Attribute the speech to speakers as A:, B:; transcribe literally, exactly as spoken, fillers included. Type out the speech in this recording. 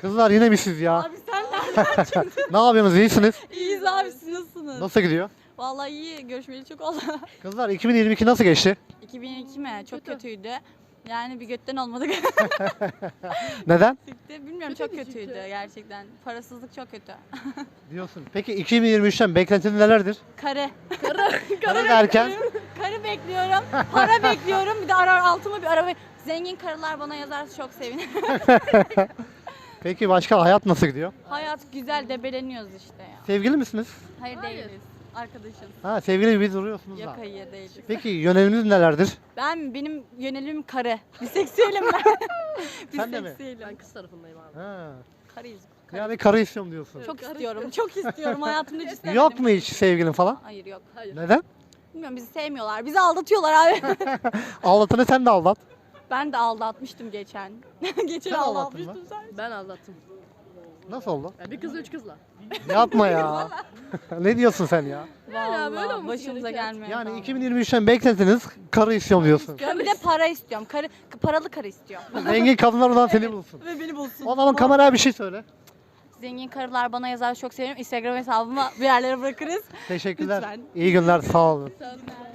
A: Kızlar yine mi siz ya?
B: Abi sen nereden çıktın?
A: Ne yapıyorsunuz? İyisiniz?
B: İyiyiz abi, siz nasılsınız?
A: Nasıl gidiyor?
B: Vallahi iyi, görüşmeli çok oldu.
A: Kızlar iki bin yirmi iki nasıl geçti?
B: iki bin iki mi? Çok kötüydü. Yani bir götten olmadık.
A: Neden?
B: Çıktı. Bilmiyorum, çok kötüydü gerçekten. Parasızlık çok kötü.
A: Diyorsun. Peki iki bin yirmi üçten beklentin nelerdir?
B: Karı.
A: Karı derken?
B: Karı bekliyorum. Para bekliyorum. Bir de arar altıma bir araba. Zengin karılar bana yazarsa çok sevinirim.
A: Peki başka hayat nasıl gidiyor?
B: Hayat güzel, debeleniyoruz işte ya.
A: Sevgili misiniz?
B: Hayır, değiliz. Arkadaşız.
A: Ha, sevgili gibi duruyorsunuz
B: Yok,
A: da.
B: hayır değiliz.
A: Peki yöneliminiz nelerdir?
B: Ben, benim yönelim karı. Biseksüelim ben.
A: Sen de mi?
B: Biseksüelim.
C: Ben kız tarafındayım abi.
A: Ha.
B: Karıyız. Karı.
A: Yani karı istiyorum diyorsun.
B: Çok istiyorum. Çok istiyorum. Hayatımda hiç istemedim.
A: Yok mu hiç sevgilin falan?
B: Hayır, yok.
C: Hayır.
A: Neden?
B: Bilmiyorum, bizi sevmiyorlar. Bizi aldatıyorlar abi.
A: Aldatanı sen de aldat.
B: Ben de aldatmıştım geçen. geçen
A: Sen aldattın
B: aldatmıştım
A: mı?
B: sen.
C: Ben aldattım.
A: Nasıl oldu?
C: Yani bir kızla üç kızla.
A: Yapma ya. Ne diyorsun sen ya?
B: Vallahi
C: böyle olması
B: başımıza
C: gerekiyor.
B: gelmeye
A: Yani
B: kaldı.
A: iki bin yirmi üçten beklentiniz karı istiyorum diyorsun.
B: Ben bir de para istiyorum. Karı, paralı karı istiyorum.
A: Zengin kadınlar oradan seni bulsun.
B: Ve beni bulsun.
A: O zaman kameraya bir şey söyle.
B: Zengin karılar bana yazar, çok seviyorum. Instagram hesabıma bir yerlere bırakırız.
A: Teşekkürler.
B: Lütfen.
A: İyi günler, sağ olun.
B: Sağ olun.